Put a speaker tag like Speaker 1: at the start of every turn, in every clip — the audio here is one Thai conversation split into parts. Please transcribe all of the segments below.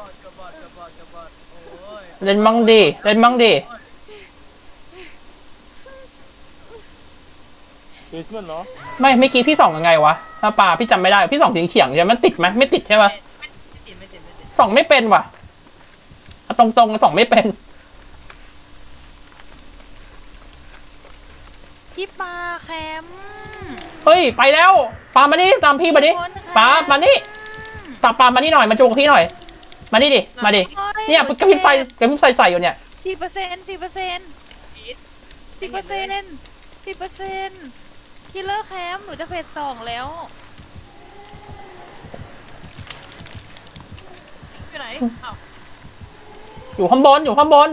Speaker 1: กับบอดโอ้ย
Speaker 2: เล่นมั่งดิเล่นมั่งดิ
Speaker 3: เฮ้ยมันเหรอ
Speaker 2: ไม่เมื่อกี้พี่ส่องยังไงวะถ้าปลาพี่จำไม่ได้พี่ส่องเฉียงใช่ไหมมันติดไหมไม่ติดใช่ปะ
Speaker 1: ไม่ติด
Speaker 2: ส่องไม่เป็นว่ะตรงๆส่องไม่เป็น
Speaker 4: พี่ปลาแคม
Speaker 2: เฮ้ยไปแล้วปลามานี่ตามพี่มาดิปลามานี่ตามปลามานี่หน่อยมาจูงกับพี่หน่อยมานี่ดิมาดิเนี่ยกระพริบไฟใส่อยู่เนี่ย
Speaker 4: 10%คิลเลอร์แคมหนูจะเฟส2แล้ว
Speaker 1: อยู่ไหนอ้าว
Speaker 2: อยู่ข้างบน
Speaker 1: ฝั่งโน้น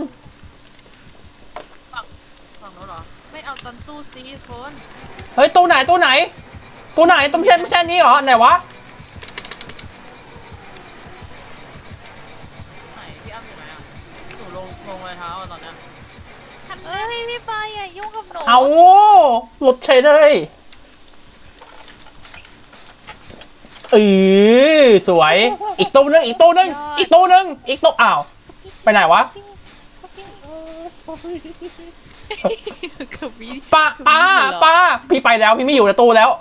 Speaker 1: เหรอไม่เอาตันตู้ซีโฟน
Speaker 2: เฮ้ยตู้ไหนตู้ไหนตู้ไม่ใช่นี้เหรอไหนวะ
Speaker 1: ไหนพี่อ้ำอยู่ไหนอ่ะหนูลงรอยเท้าตอนเนี้ย
Speaker 4: เอ้ยพี่ปลาอย่ายุ่งกับหนู
Speaker 2: เอาหลุดเฉยเลยสวยอีกตู้นึงอ้าวไปไหนวะป้าพี่ไปแล้วพี่ไม่อยู่ในตู้แล้ว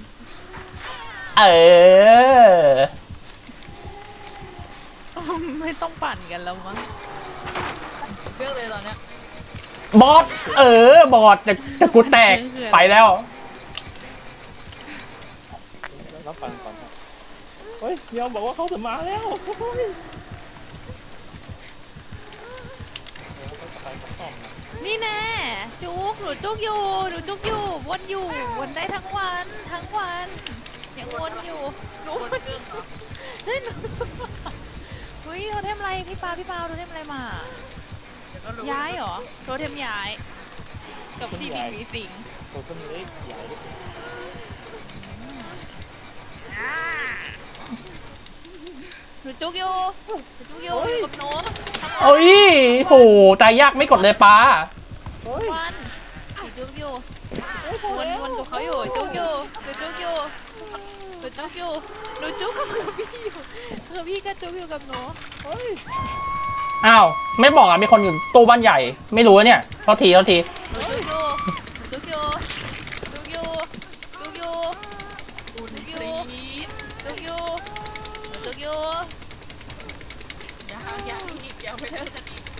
Speaker 4: ไม่ต้องปั่นกันแล้วมั้ง
Speaker 1: เรื่องเลยตอนเนี้ย
Speaker 2: บอสบอสจะกูแตกไปแล้ว
Speaker 3: รับฟังก่อนเฮ้ยยอมบอกว่าเขาจะมาแล้ว
Speaker 4: นี่แน่จุกหนูจุกอยู่วนได้ทั้งวันยังวนอยู่หนู
Speaker 1: คนเครื่องเหรอ
Speaker 4: เฮ้ยเฮ้ยโทเทมอะไรพี่ปาโทเทมอะไรมาย้ายเหรอโทเทมย้ายกับที่มีสิง
Speaker 3: ตัวต้นเล็กใหญ่
Speaker 4: หนูจุกอยู่กับหนู
Speaker 2: โอ้ยโหตายยากไม่กดเลยป้า
Speaker 4: วันหนูจุกอยู่วนกับเขาอยู่จุกอยู่หนูจุกกับพี่ก็จุกอยู่กับหนู
Speaker 2: อ้าวไม่บอกอ่ะมีคนอยู่ตู้บ้านใหญ่ไม่รู้เนี่ยโทษที
Speaker 4: หนูจุกอยู่
Speaker 1: ยังไม่เลิกกันอีก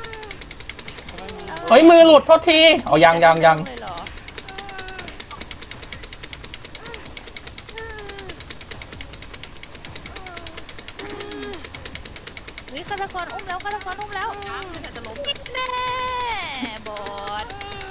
Speaker 2: เฮ้ยมือหลุดโทษทีเอายัง
Speaker 4: ฆาตกรอุ้มแล้ว
Speaker 1: ยังไม่ทันจะล้ม
Speaker 4: แน่บอด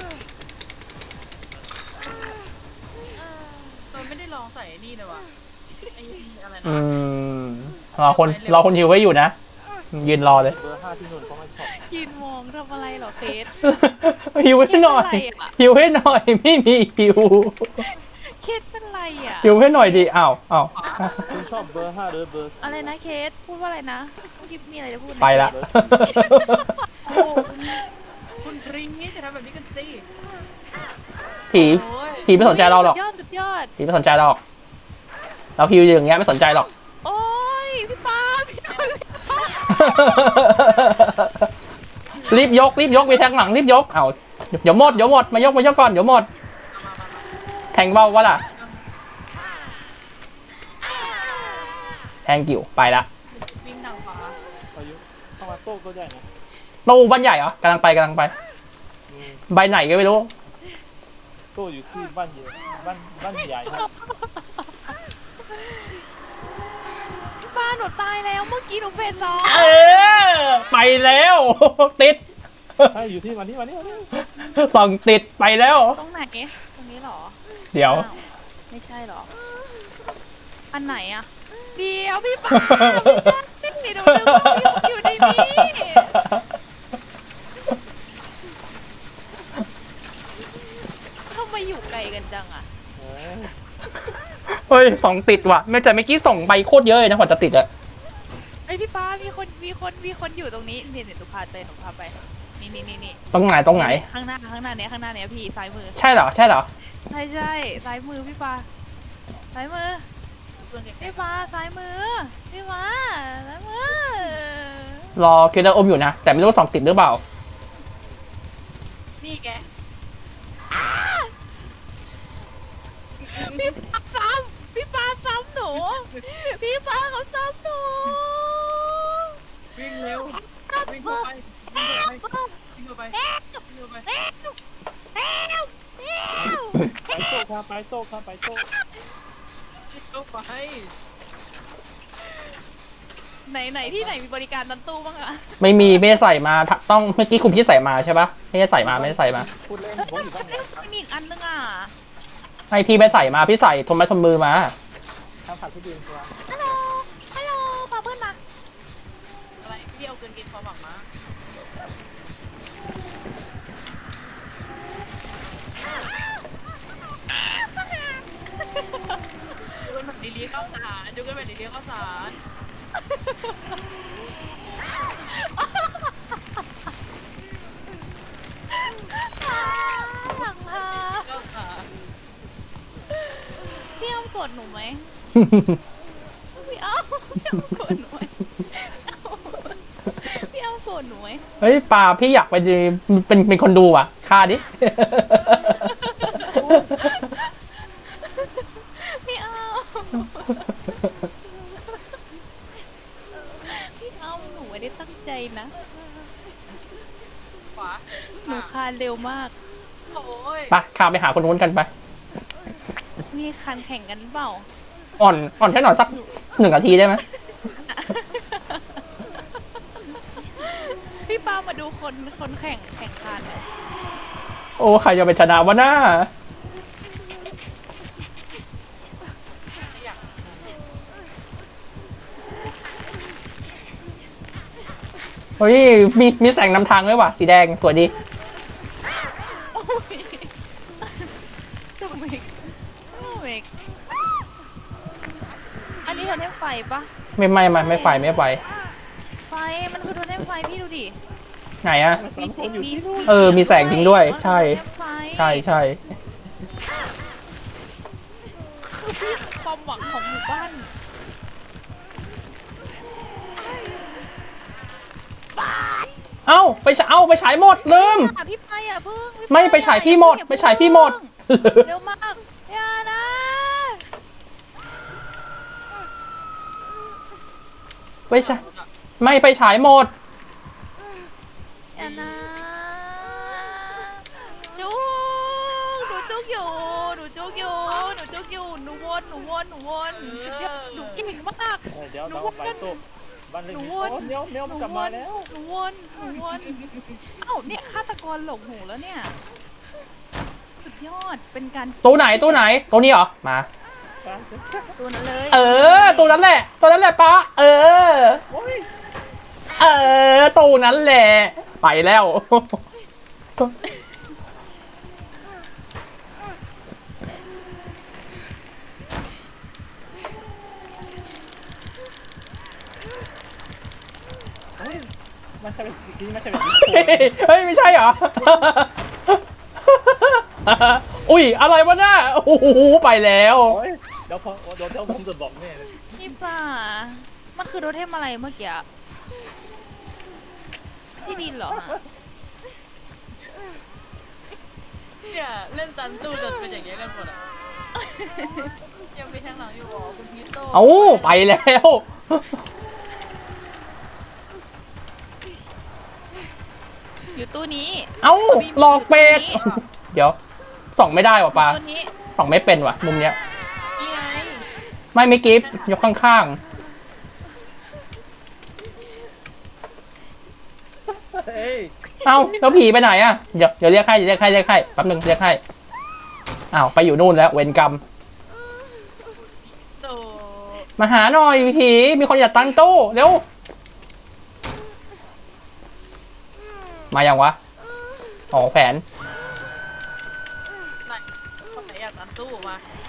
Speaker 1: ไม่ได้ลองใส่นี่เลยว่ะไอ้อะไรนะ
Speaker 2: รอคนหิวไว้อยู่นะยืนรอเลย
Speaker 3: เบอร์5ที่นู่นเขาไม่ชอบ
Speaker 4: ยืนมองทำอะไรเหรอเคส
Speaker 2: หิวให้หน่อยไม่มีหิว
Speaker 4: เคสเป็นไรอ่ะ
Speaker 2: หิวให้หน่อยดิอ้าว
Speaker 3: คุณชอบเบอร์5หรือเบอร์
Speaker 4: อะไรนะเคสพูดว่าอะไรนะเมื่อกี้มีอะไรจะพูด
Speaker 2: ไปละ
Speaker 1: คุณริงนี่จะทำแบบนี้กันสิ
Speaker 2: ผีไม่สนใจเราหรอก
Speaker 4: สุดยอด
Speaker 2: ผีไม่สนใจเราหรอกเราหิวอย่างเงี้ยไม่สนใจหรอก
Speaker 4: โอ้ยพี่ปา
Speaker 2: รีบยกไปทางหลังรีบยกเอาเดี๋ยวหมดมายกก่อนเดี๋ยวหมดแทงเบาวะล่ะแทงกิ่วไปละ
Speaker 1: วิ่งทางขวา
Speaker 3: อายุเข้ามาโต๊ะก็ใหญ่นะ
Speaker 2: ตู้บ้านใหญ่เหรอกำลังไปใบไหนก็ไม่รู้
Speaker 3: โต๊ะอยู่ที่บ้านใหญ่ครับ
Speaker 4: บ้านหนูตายแล้วเมื่อกี้หนูเฟส
Speaker 2: 2ไปแล้วติด
Speaker 3: อยู่ที่วันนี้
Speaker 2: ส่องติดไปแล้ว
Speaker 4: ตรงไหนตรงนี้หรอ
Speaker 2: เดี๋ยว
Speaker 4: ไม่ใช่หรออันไหนอ่ะเดี๋ยวพี่ปาไม่ใช่ดูอยู่ในนี้ทำไมอยู่ไกลกันจังอ่ะ
Speaker 2: เฮ้ยส่องติดว่ะไม่แต่เมื่อกี้ส่องใบโคตรเยอะเลยนะกว่าจะติดอะ
Speaker 4: ไอพี่ปามีคนอยู่ตรงนี้เนี่ยหนูพาไปนี่
Speaker 2: ตรงไหน
Speaker 4: ข้างหน้าเนี่ยพี่ซ้ายมือ
Speaker 2: ใช่เหรอ
Speaker 4: ใช่ซ้ายมือพี่ปาซ้ายมือพี่ปาซ้ายมือพี่ปาซ้ายมือ
Speaker 2: รอคิวเตอร์อมอยู่นะแต่ไม่รู้ว่าส่องติดหรือเปล่า
Speaker 1: นี่แก
Speaker 4: พี่ปาซ้ำหนูพี่ปาเขาซ้ำหนู
Speaker 1: วิ่งเร็ววิ่งเข้าไปวิ่งเข้าไปวิ่งเข้าไป
Speaker 3: ไปโซ่ครับไปโซ่ครับไปโซ่
Speaker 1: วิ่งเข้าไป
Speaker 4: ไหนที่ไหนมีบริการตันตู้บ้างอะ
Speaker 2: ไม่มีไม่ได้ใส่มาต้องเมื่อกี้คุณพี่ใส่มาใช่ปะไม่ได้ใส่มาไม่ได้ใส่มา
Speaker 3: พูดเล่นผมอยู่บ้านเนี่ย
Speaker 4: มีอีกอันนึงอ่ะ
Speaker 2: ให้พี่ไม่ใส่มาพี่ใส่ทนไม้ทนมือมา
Speaker 3: ทำผัดที่ดีกว่า
Speaker 4: ฮัลโหลฮัลโหลพาเพื่อนมา
Speaker 1: อะไรพี่เอาเกินกินความหวังมาดูกันแบบดีๆข้าวสารดูกันแบบดีๆข้าวสาร
Speaker 4: หลังพา
Speaker 1: ข้าวสาร
Speaker 4: พี่อ้อมกดหนูไหมพี่อ้อมกดหนูไหมพี่อ้อมกดหนูไหม
Speaker 2: เฮ้ยปลาพี่อยากไปเป็นคนดูอ่ะค่าดิ
Speaker 4: พี่อ้อมพี่อ้อมหนูไม่ได้ตั้งใจนะ
Speaker 1: ขวา
Speaker 4: หนูคานเร็วมาก
Speaker 1: โอ้ย
Speaker 2: ไปข้ามไปหาคนนู้นกันไป
Speaker 4: มีคันแข่งกันเปล่า
Speaker 2: อ่อนแค่หน่อยสัก1 นาทีได้ไหม
Speaker 4: พี่ป้ามาดูคนแข่งขันหน่อย
Speaker 2: โอ้ใครจะไปชนะวะหน้าเฮ้ยมีแสงนำทางด้วยว่ะสีแดงสวยดี
Speaker 4: โอ้ยโอ้ยโอ้ยอันนี้เราได้ไฟปะ
Speaker 2: ไม่ไฟไม่ไฟ
Speaker 4: ไฟมันคือโทเทมไฟพี่ดูดิ
Speaker 2: ไหนอะ
Speaker 3: สามคนอยู่ที่นู่น
Speaker 2: มีแสงจริงด้วย ใช่ ใช่
Speaker 4: ความหวังของหมู่บ้าน
Speaker 2: เอ้าไปฉายหมดลืม
Speaker 4: พี่ไปอ่ะเพิ่ง
Speaker 2: ไม่ไปฉายพี่หมดไปฉายพี่หมด
Speaker 4: เร็วมากอย่านะ
Speaker 2: ไม่ไปฉายหมด
Speaker 4: อย่านะจุกหนูจุกอยู่หนูจุกอยู่หนูจุกอยู่หนูวนหนูเก่งมาก
Speaker 3: เดี๋ยวเราไปโซ่บ้านเล็กโอ้เนี้ยวมันกลับมาแล้ว
Speaker 4: หนูวนเอ้าเนี่ยฆาตกรหลงหูแล้วเนี่ยสุดยอดเป็นการ
Speaker 2: ตู้ไหนตัวนี้เหรอมา
Speaker 4: ตัวนั้นเลย
Speaker 2: ตัวนั้นแหละป้าตู้นั้นแหละไปแล้ว
Speaker 3: มันใช่แบบนี้ไม่ใช่แบบนี้
Speaker 2: เฮ้ยไม่ใช่เหรอ อุ้ยอะไรวะน่าโอ้โหไปแล้ว
Speaker 3: โอ้ยเดี๋ยวผมจะบอกแม่เลย
Speaker 4: พี่ป่ามันคือโทเทมอะไรเมื่อกี้ที่ดินเหรอฮะ
Speaker 1: เนี่ยเล่นซันตู้จนเป็นอย่างเงี้ยกันหมดอ่ะยังไปทางหลังอยู่หรอคุณพีโต้
Speaker 2: เอ้าไปแล้ว
Speaker 4: อยู่ตู้นี้
Speaker 2: เอ้าหลอกเป็ดเดี๋ยวส่องไม่ได้ว่ะปลา
Speaker 4: ตู้นี้
Speaker 2: ส่องไม่เป็นว่ะมุมเนี้ย
Speaker 1: นี่ไง
Speaker 2: ไม่กิฟต์ยกข้าง
Speaker 3: เฮ้ย
Speaker 2: ๆเอ้าแล้วผีไปไหนอ่ะเดี๋ยวเรียกให้แป๊บนึงเรียกให้อ้าวไปอยู่นู่นแล้วเวรกรรม
Speaker 1: โต
Speaker 2: มาหาหน่อยผีมีคนอยากตั้งตู้เร็วมายังวะอ๋อแผน
Speaker 1: ไหนคนไหนอยากซันตู้มา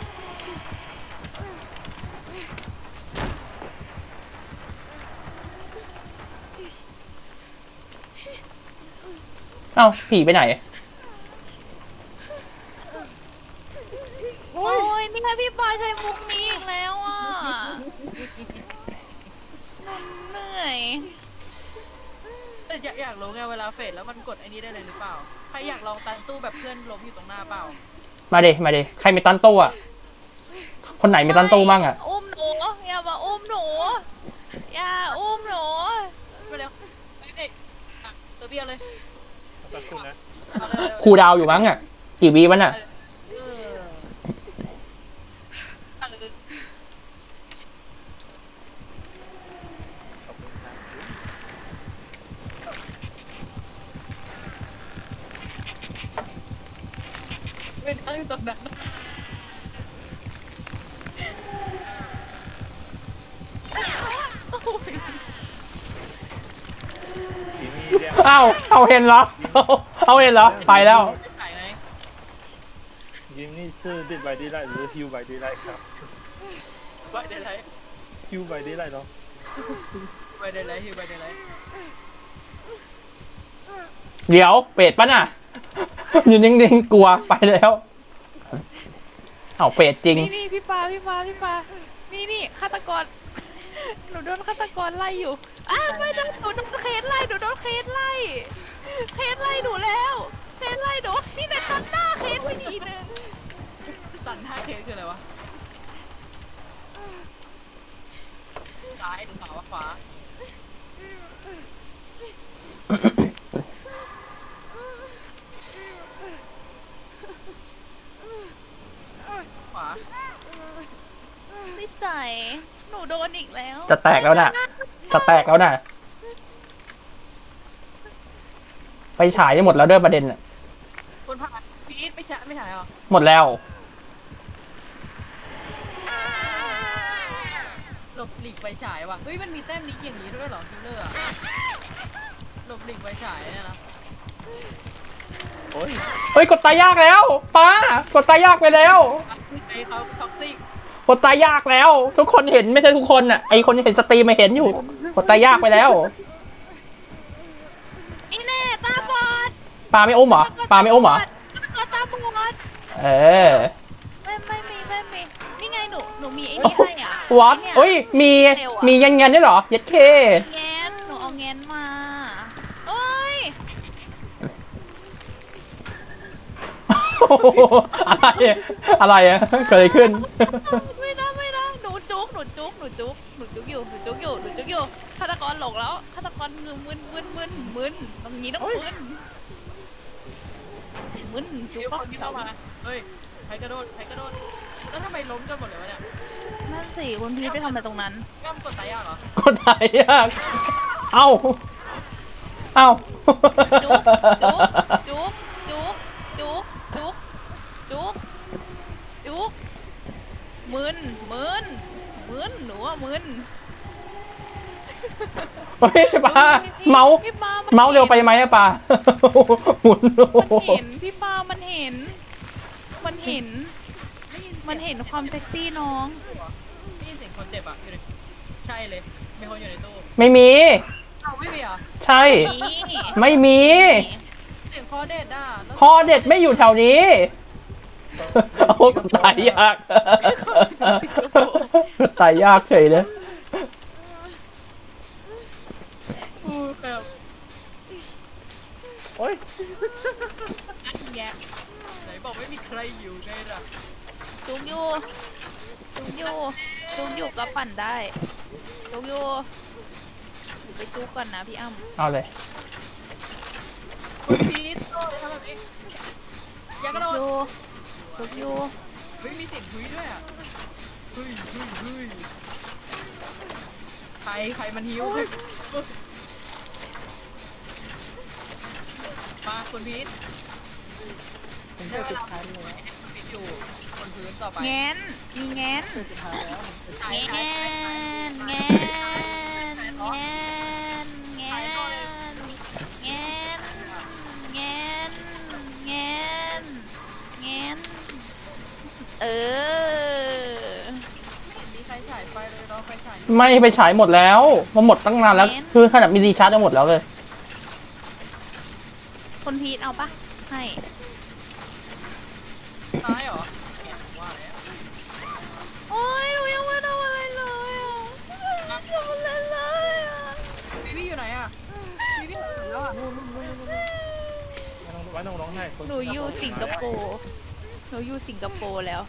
Speaker 2: เอ้าผีไปไหน
Speaker 4: โอ้ยนี่ไงพี่ปาใช้มุกนี้อีกแล้วอ่ะหนูเหนื่อย
Speaker 1: อยากรู้ไงเวลาเฟดแล้วมันกดไอ้นี้ได้เลยหรือเปล่าใครอยากลองตันตู้แบบเพื่อนล้มอยู่ตรงหน้าเปล่า
Speaker 2: มาดิมาดิใครมีตันตู้อ่ะคนไหนมีตันตู้บ้างอ่ะ
Speaker 4: อุ้มหนูอย่ามาอุ้มหนูอย่าอุ้มหนู
Speaker 1: ไปเร็วไปเอกอ่ะตัวเบี้ยวเลย
Speaker 3: สักครู่นะ
Speaker 1: เอาเร็วเร็ว
Speaker 2: ครูดาวอยู่มั้งอ่ะกี่วีมันอ่ะ
Speaker 1: เออเอาเร็ว
Speaker 3: ขอบคุณครับ
Speaker 1: ไม่นั่งตรงนั้น
Speaker 3: ทีนี้เรียก
Speaker 2: เอาเห็นเหรอเอาเห็นเหรอไปแล้ว
Speaker 1: ไม่ถ่ายไง
Speaker 3: ยิมนี่ชื่อดิดไบดีไลหรือฮิวไบดีไลครับ
Speaker 1: ไปได้ไร
Speaker 3: ฮิวไบดีไลเนาะ
Speaker 1: ไปได้ไรฮิวไปได้ไร
Speaker 2: เดี๋ยวเป็ดปะน่ะอยู่นิ่งๆกลัวไปแล้วเอาเป็ดจริง
Speaker 4: นี่พี่ปานี่ฆาตกรหนูโดนฆาตกรไล่อยู่ไม่ได้หนูโดนเคสไล่หนูแล้วเคสไล่หนูนี่แต่ตัดหน้าเคสไปทีนึง
Speaker 1: ตันท่าเคสคืออะไรวะซ้ายหรือขวาขวา
Speaker 4: นิสัยหนูโดนอีกแล้ว
Speaker 2: จะแตกแล้วน่ะไปฉายได้หมดแล้วด้วยประเด็นน่ะ
Speaker 1: คนผ่านพีทไม่ใช่หรอ
Speaker 2: หมดแล้ว
Speaker 1: หลบหลีกไฟฉายว่ะเฮ้ยมันมีแต้มนี้อย่างนี้ด้วยเหรอคิลเลอร์อะหลบหลีกไฟฉายเนี่ยนะ
Speaker 3: โอ้ย
Speaker 2: เฮ้ยกดตายยากแล้วป้ากดตายยากไปแล้ว
Speaker 1: ไอ้เขาท็อกซิก
Speaker 2: กดตายยากแล้ว ทุกคนเห็นไม่ใช่ทุกคนอ่ะไอคนเห็นสตรีมไม่เห็นอยู่กดตายยากไปแล้ว
Speaker 4: นี่แน่ตาบอด
Speaker 2: ปลาไม่อุ้มเหรอปลาไม่อุ้มเหรอ
Speaker 4: ตาบอด
Speaker 2: เออ
Speaker 4: ไม่มีนี่ไงหนูมีไอ้นี่ให้อ่ะ
Speaker 2: วัดเอ้ยมียันด้วยเหรอยัดเค
Speaker 4: แงนหนูเอาแงนมาโอ้ย
Speaker 2: อะไรอะเกิดอะไรขึ้น
Speaker 4: ไม่ได้หนูจุกอยู่ฆาตกรหลงแล้วฆาตกรงือมึนตรงนี้ต้องมึนจุ
Speaker 1: มี
Speaker 4: ก
Speaker 1: คนที่เข้ามาเฮ้ยใครกระโดดแล้วทำไมล้มกันหมดเลยวะเนี่ย
Speaker 4: นั่นสิคุณพีทไปทำอะไรตรงนั้น
Speaker 1: ย่ำกดตายยากเหรอ
Speaker 2: คนไหนยากเอ้า
Speaker 4: จุกมึนหนูว่ามึน
Speaker 2: เฮ้ยปลาเมาส์เร็วไปไหมอะปลาหมุน
Speaker 4: มันเห็นพี่ปามันเห็นความเซ็กซี่น้อง
Speaker 1: ได้ยินเสียงคนเจ็บอ่ะอยู่ในใช่เลยมีคนอยู่ในตู้
Speaker 2: ไม่มี
Speaker 1: เอาไม่มีเหรอ
Speaker 2: ใช่
Speaker 4: นี่
Speaker 2: ไม่มี
Speaker 1: เสียงคอเด็ดอ่ะแล้ว
Speaker 2: คอเด็ดไม่อยู่แถวนี้โอ้ตายยากตายยากเฉยเลย
Speaker 1: แบบ
Speaker 3: โอ้ย
Speaker 1: อันแงะไหนบอกไม่มีใครอยู่ไงล่ะ
Speaker 4: จุกอยู่ก็ปั่นได้จุกอยู่ไปจุกก่อนนะพี่อ้ำ
Speaker 2: เอาเลย
Speaker 1: คุณพีทโอ้ยทำแบบนี้อย่ากระโดด
Speaker 4: จุกอยู่
Speaker 1: เฮ้ยมีเสียงคุยด้วยอ่ะเฮ้ยใครมันหิวมาคุณพีทได้เวลาคุณพีทอยู่บนพื้นต่อไป
Speaker 4: แงนมีแงน
Speaker 1: ถ่าย
Speaker 4: แง
Speaker 1: ถ่าย
Speaker 4: นแงนแงนแงนแงนแงนแงนแงนเออ
Speaker 1: มีใครฉายไฟเลยเราไฟฉาย
Speaker 2: ไม่ไปฉายหมดแล้วมันหมดตั้งนานแล้ว คือขนาดมีรีชาร์จจะหมดแล้วเลย
Speaker 4: คนพีทเอาปะให้
Speaker 1: ซ้ายเหรอว่าแล้ว
Speaker 4: โอ้ยหนูยังไม่ทำอะไรเลยอ่ะไม่ทำอะไรเลยอ่ะ
Speaker 1: พี่อยู่ไหนอ่ะพี่อยู่ไหนแล้วอ่ะ
Speaker 3: ไม่ต้องร้องไห้คน
Speaker 4: หนูอยู่สิงคโปร์หนูอยู่สิงคโปร์แล้ว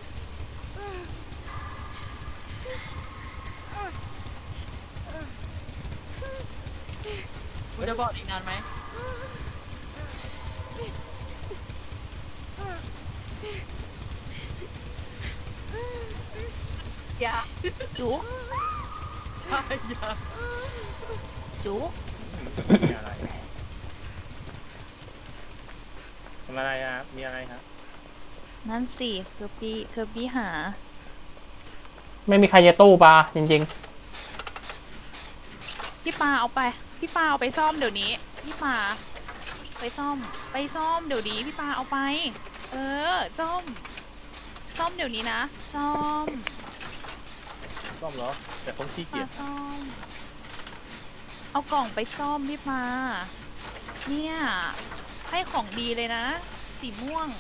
Speaker 1: กูจะบอกอีกนานไหมอย่า
Speaker 4: จุ๊ก
Speaker 1: อย่า
Speaker 4: จุ๊ก
Speaker 3: มีอะไรทำอะไรอ่ะมีอะไรครับ
Speaker 4: นั่นสิคือพี่หา
Speaker 2: ไม่มีใครจะตู้ปลาจริง
Speaker 4: พี่ปาเอาไป พี่ปาเอาไปซ่อมเดี๋ยวนี้ พี่ปาไปซ่อมเดี๋ยวนี้พี่ปาเอาไป เออซ่อมเดี๋ยวนี้นะซ่อม
Speaker 3: ซ่อมเหรอแต่คนขี้เกี
Speaker 4: ปาย
Speaker 3: จ
Speaker 4: ซ่อม เอากล่องไปซ่อมพี่ปาเนี่ยให้ของดีเลยนะ สีม่วง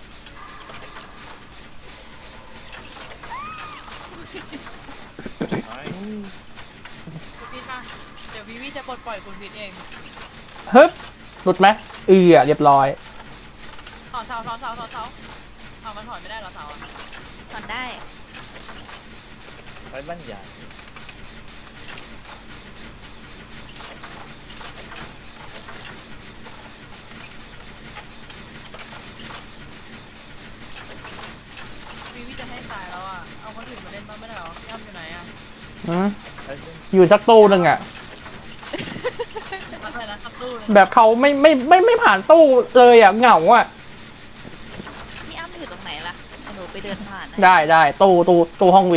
Speaker 3: ไอ้
Speaker 1: คุณพีทมาเดี๋ยววิวิจะปลดปล่อยคุณพีทเอง
Speaker 2: ๆฮึบหลุดไหมเรียบร้อย
Speaker 1: ถอนเสาเอามันถอนไม่ได้เหรอเสาอ่ะ
Speaker 4: สอนได้
Speaker 3: ไปบ้านใหญ่
Speaker 1: วิวิจะให้ตายแล้วอ่ะเอาคนอื่นมาเล่นบ้างไม่ได้เหรอย่ำอยู่ไหนอ่ะ
Speaker 2: อืม
Speaker 3: ไปเล่น
Speaker 2: อยู่สักตู้หนึ่งอะ
Speaker 1: อะไรนะขับตู้เลย
Speaker 2: แบบเขาไม่ผ่านตู้เลยอะเหงาอะ
Speaker 4: พี่อ้ำอยู่ตรงไหนล่ะหนูไปเดินผ่านนะ
Speaker 2: ได้ตู้ห้องวี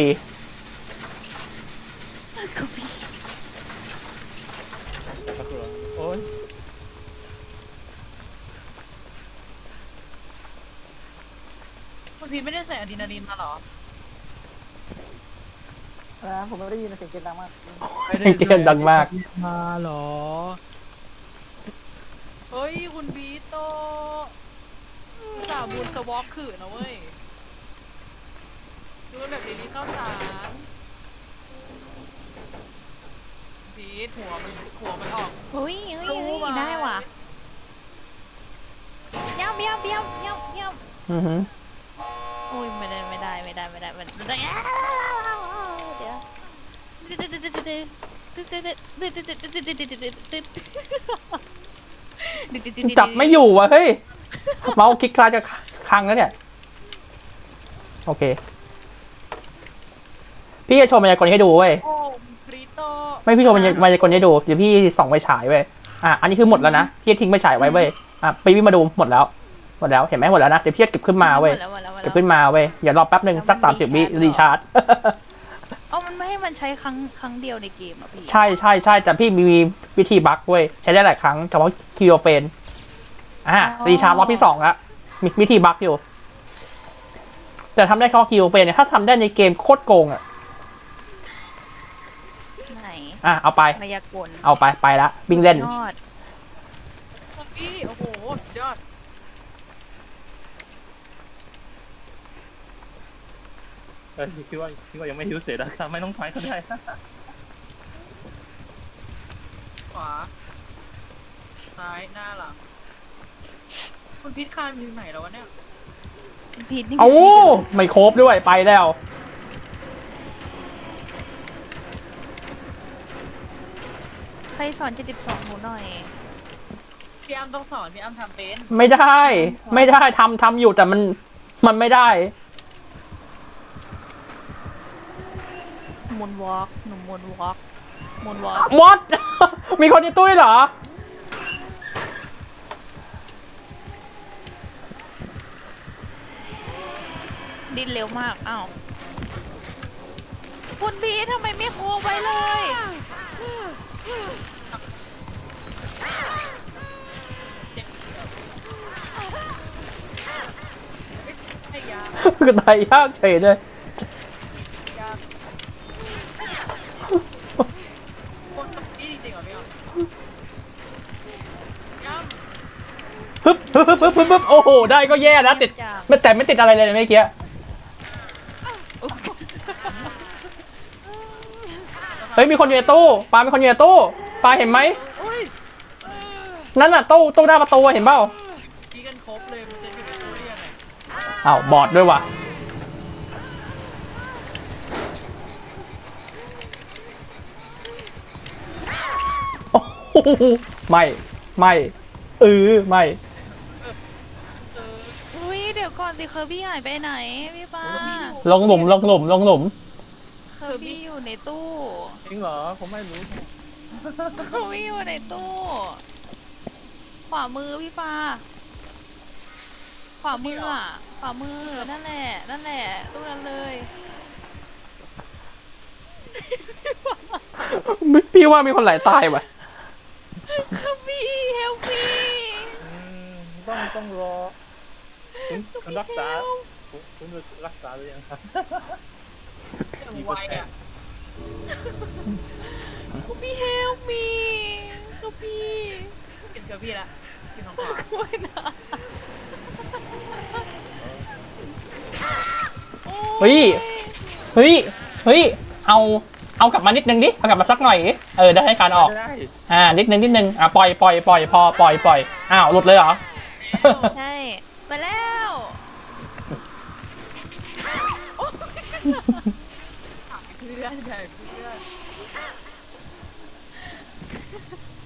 Speaker 3: ก็คือโอ้ย
Speaker 1: คุณพีทไม่ได้ใส่อะดรีนาลีนมาเหรอ
Speaker 5: ผมไม่ได้ยินเสียงเกมดังมาก
Speaker 2: เกมดังมาก
Speaker 6: มาเหรอ
Speaker 1: เฮ้ยคุณพีทโตสาวบุญสวอปขื่อนะเว้ยดูแบบนี้ข้าวสารพีทหัวมันออก
Speaker 4: เฮ้ยได้ว่ะย่ำ
Speaker 2: อือหือ
Speaker 4: โอ้ยไม่ได้เดี๋ยว
Speaker 2: จับไม่อยู่ว่ะเฮ้ยเมาส์คลิกซ้ายจะค้างแล้วเนี่ยโอเคพี่จะโชว์มายากลให้ดูเว้ย
Speaker 1: โอ้คริโต
Speaker 2: ไม่พี่โชว์มายากลให้ดูเดี๋ยวพี่ส่องไปฉายเว้ยอันนี้คือหมดแล้วนะพี่ทิ้งไปฉายไว้เว้ยไปวิ่งมาดูหมดแล้วเห็นไหมหมดแล้วนะเดี๋ยวพี่จะเก็บขึ้นมาเว้ยเก็บขึ้นมาเว้ยอย่ารอแป๊บหนึ่งสัก30 วิรีชาร์จ
Speaker 4: มันไม่ให้มันใช้ครั้งเดียวในเกมอ่ะพี่
Speaker 2: ใช่แต่พี่มีวิธีบั๊กเว้ยใช้ได้หลายครั้งเฉพาะคิวเฟนรีชาร์จรอบที่2แล้วมีวิธีบั๊กอยู่แต่ทำได้แค่คิวเฟนเนี่ยถ้าทำได้ในเกมโคตรโกง
Speaker 4: ไหน
Speaker 2: เอาไป
Speaker 4: มายากล
Speaker 2: เอาไปละวิ่งเล่น
Speaker 4: ยอด
Speaker 1: พี่โอ้โหสุดยอด
Speaker 3: คิดว่ายังไม่หิวเสร็จนะครับไม่ต้องถอยก็ได้
Speaker 1: ขวาซ้ายหน้าหลังคุณพีทคานอยู่ไหนแล้ววะเนี่ย
Speaker 4: ผิดนี่
Speaker 2: เอาไม่ครบด้วยไปแล้ว
Speaker 4: ใครสอน72หนูหน่อย
Speaker 1: พี่อ้ำต้องสอนพี่อ้ำทำเป็น
Speaker 2: ไม่ได้ทำอยู่แต่มันไม่ได้
Speaker 4: มูนวอล์กหนูมูนวอล์ก
Speaker 2: what มีคนในตู้ด้วยเหรอ
Speaker 4: ดิ้นเร็วมากอ้าวคุณพีททำไมไม่โค้งไว้เลย
Speaker 1: ไอ้ยา
Speaker 2: ก็ตายยากเฉยเลย
Speaker 1: ยาคนกับพี่จริงๆเหรอพี่อ้ำพี่อ้ำ
Speaker 2: ปึ๊บโอ้โหได้ก็แย่แล้วติดแต่ไม่ติดอะไรเลยเมื่อกี้เฮ้ยมีคนอยู่ในตู้ปามีคนอยู่ในตู้ปาเห็นไหมนั่นน่ะตู้หน้าประตูเห็นเปล่า
Speaker 1: ตีกันครบเลยมันจะอยู่ในตู้ได้ยังไง
Speaker 2: อ้าวบอดด้วยว่ะโอ้โหไม่ไม่ไม่
Speaker 1: เออ
Speaker 4: อุ้ยเดี๋ยวก่อนสิเคอร์บี้หายไปไหนพี่ปา
Speaker 2: ลงหลุม
Speaker 4: เคอร์บี้อยู่ในตู้
Speaker 3: จริงเหรอผมไม่รู้
Speaker 4: เคอร์บี้อยู่ในตู้ ขวามือพี่ปาขวามืออ่ะขวามือนั่นแหละตู้นั้นเลย
Speaker 2: พี่ว่ามีคนไหลตายว่ะ
Speaker 4: เคอร์บี้เฮลปี้
Speaker 3: อืมต้องรอคุณรักษาคุณรักษาหรือยังครับ
Speaker 1: อย่างไวอ่ะ
Speaker 4: เคอร์บี้เฮลมีเคอร์บี้
Speaker 1: เห็นเกอร์พี่ละอยู่ทางขวา
Speaker 4: โอ้ยนะ
Speaker 2: เฮ้ยเอากลับมานิดนึงดิเอากลับมาสักหน่อยดิได้ให้การออก
Speaker 3: ไม่ได้
Speaker 2: นิดนึงปล่อยพอปล่อยอ้าวหลุดเลยเหรอ
Speaker 4: ใช่มาแล้ว
Speaker 1: เพื่อนใหญ่เพื่อน